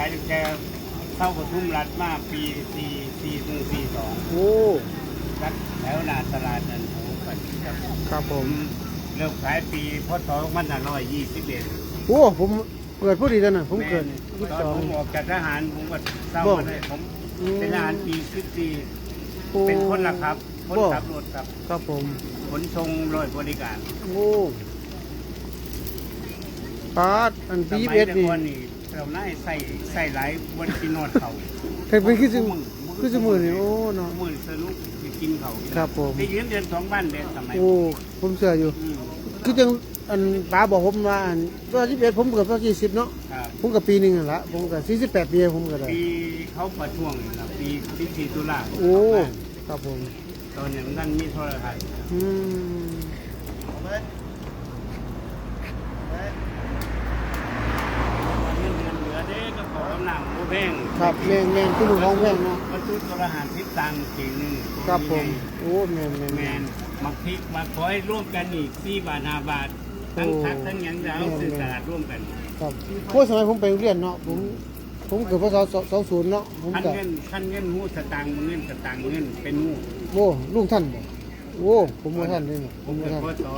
ตั้งแต่เข้าปทุมรัฐมาปี42 โอ้รัฐแถวหน้าตลาดนันโหครับผมเริ่มขายปีพศ2521 โอ้ผมเกิดพอดีแล้วนะผมเกิดตอนผมออกจากทหารผมก็เศร้ามาได้ผมเป็นทหารปี14เป็นคนละครับคนขับรถครับครับผมขนส่งรถบริการโอ้ปาดอันปีสมัยเอ็ดแต่นี่ก่อนนี่เราน่าใส่หลายบนกินนอดเขาเคยเป็นคือสมือนี่โอ้เนาะมือสนุกกินเขาครับผมไปยืนเดือน2 บ้านเดือนสมัยโอ้ผมเชื่ออยู่คือจังอันป้าบอกผมว่าอันตัว21ผมเกิดตอน20เนาะครับผมกับปีหนึงนั่นละผมกับ48ปีผมก็ได้ปีเขาประท้วงนี่ล่ะปี14 ตุลาโอ้ครับผมตอนนั้นนั่นมีโทรทัศน์อืมเงินเหลือเด้ก็ขอกำลังโมแพงครับแม่นคือลูกของแพงเนาะประตูโทรหัสทิศตังเก่งหนึ่งครับผมโอ้แม่นแมนมักพริกมาขอให้ร่วมกันอีก4 บาท5 บาททั้งทักทั้งหยังจะเอาซื้อตลาดร่วมกันครับโอ้สมัยผมไปโรงเรียนเนาะผมเกิดพศ20เนาะผมขั้นก็เงินหูสตางค์เงินสตางค์เงินเป็นหูโอ้ลุงท่านบ่โอ้ผมบ่ท่านเลยเนาะผผม มบ่เป็นท่านพ่อต่อ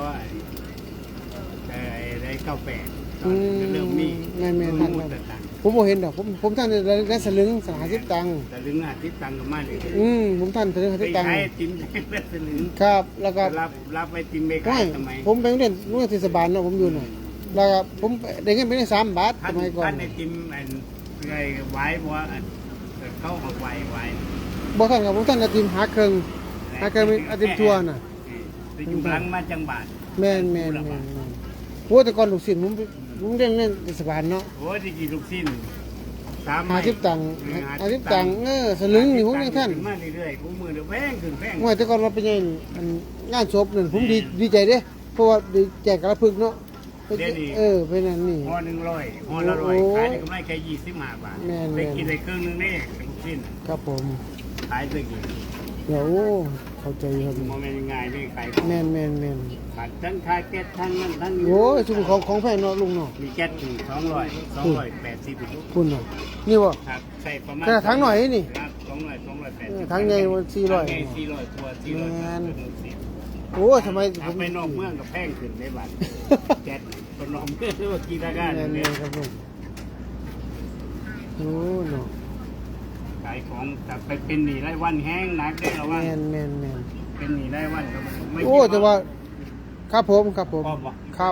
ได้98เริ่มมีแม่นหูท่านสตางค์ผมบ่เห็นดอกผมท่านได้สลึง50ตังค์แต่ลึง50 ตังค์ก็มาเลยผมท่านสลึงไป 50ตังค์ขายติมได้เป็นลึงครับแล้วก็รับไปติมไปไม่ขายทำไมผมไปโรงเรียนเทศบาลเนาะผมอยู่น่ะแล้วก็ผมได้เงินไปได้3 บาทสมัยก่อนท่านในติมไงไว้เพราะว่าเขาเอาไว้บ่ท่านครับผมท่านอาทิตย์หาเครื่องเป็นอาทิตย์ทัวร์น่ะไปอยู่หลังมาจังบาทแม่นโอ้แต่ก่อนลูกศิษย์ผมเรียนเทศบาลเนาะโอ้ที่กี่ลูกสิ้น 50ตังค์50ตังค์สลึงนี่ผมยังท่านมาเรื่อยๆกูมือเดือแพงขึ้นแพงว่าแต่ก่อนเราไปงานศพนั่นผมดีใจเด้เพราะว่าได้แจกกระพึกเนาะไปนั่นนี่ห่อ100ห่อละ100ขายได้กำไรแค่25 บาทไปกินได้ครึ่งนึงนี่ลูกสิ้นครับผมขายไปกี่เดี๋ยวโอ้เข้าใจครับโมเมนต์ง่ายนี่ขายแม่นขายทั้งขายแก๊สทั้งนั้นทั้งโอ้ยชุมของแพงเนาะลุงเนาะมีแก๊สถึง280 คุณเนาะนี่บ่ครับใส่ประมาณแต่ทั้งหน่อยนี่ครับ280 ทั้งใหญ่มัน400 400ตัว400 โอ้ยทำไมผมไปนอกเมืองกับแพงขึ้นในบัตรแก๊สคนนอกเมืองว่ากี่ราคาแม่เนี่ยนครับผมโอ้เนาะขายของแต่ไปเป็นหนี้รายวันแห้งหนักได้หรอว่าแม่นเป็นหนี้รายวันก็ไม่โอ้แต่ว่าครับผมครับพอบ่ครับ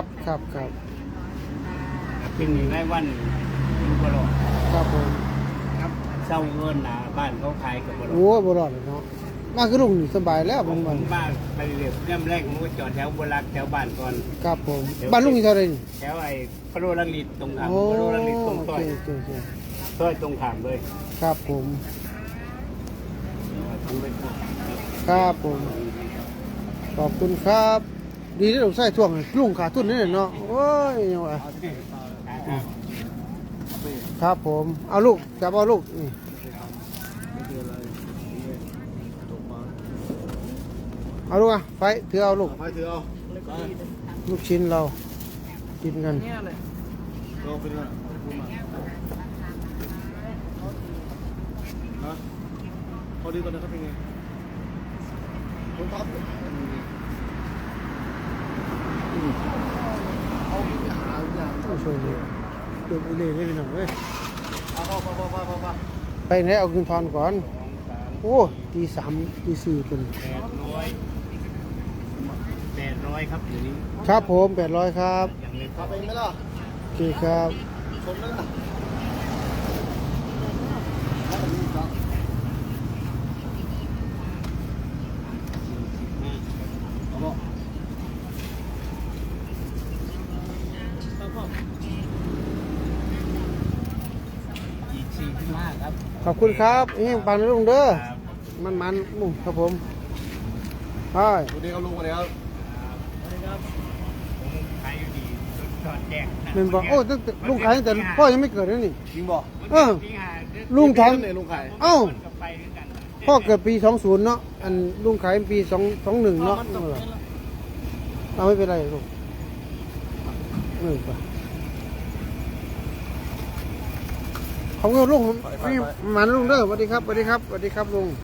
เป็นหนี้รายวันอยู่บ่รอดครับผมครับเศร้าเงินหนาบ้านเขาขายกับบ่รอดโอ้บ่รอดเลยเนาะมาคือลุงนี่สบายแล้วผบางมวันบ้านไปเรียบเริ่มแรกผมก็จอดแถวบรักแถวบ้านก่อนครับผมบ้านลุงอยู่เท่าไหร่นี่แถวไอ้พระโรลังลิตตรงขามโอ้พระโรลังลิตตรงโอต้อเคยโอเคต้อยตรงขามเลยครับผมทำไปก่อนครับผม ขอบคุณครับ ดีที่เราใส่ท่วงให้ลุงขาดทุนนี่เนาะโอ้ยยังวะครับผม เอาลูกจับเอาลูกนี่เอาลูกอ่ะไปถือเอาลูกไปถือเอาลูกชิ้นเรากินกันเราเป็นอะไรพูดมาฮะพอดีตอนนั้นเขาเป็นไงผมท็อปเอาไปหาอย่างโอ้ช่วยเลยเดือดเลยไม่เป็นหนังเว้ยเอาไปไปไหนเอาเงินทอนก่อน โอ้ตี3ตี4เป็น 800ครับอยู่นี้ครับผม800ครับอย่างเลยพาไปไหมล่ะโอเคครับชนแล้วนะเอาบอกอีก45ครับขอบคุณครับนี่ปังนะลุงเด้อมันลุงครับผมไปสวัสดีครับลุงสวัสดีครับผมขายอยู่ดีจอดแจกเป็นบอกโอ้ตั้งแต่ลุงขายตั้งแต่พ่อยังไม่เกิดเลยนี่จริงบอกลุงทองเนี่ยลุงไข่เอ้าไปด้วยกันพ่อเกิดปี20เนาะอันลุงขายปี21เนาะเอาไม่เป็นไรลูกไปขอบคุณลุงนี่มันลุงเด้อสวัสดีครับสวัสดีครับสวัสดีครับลุง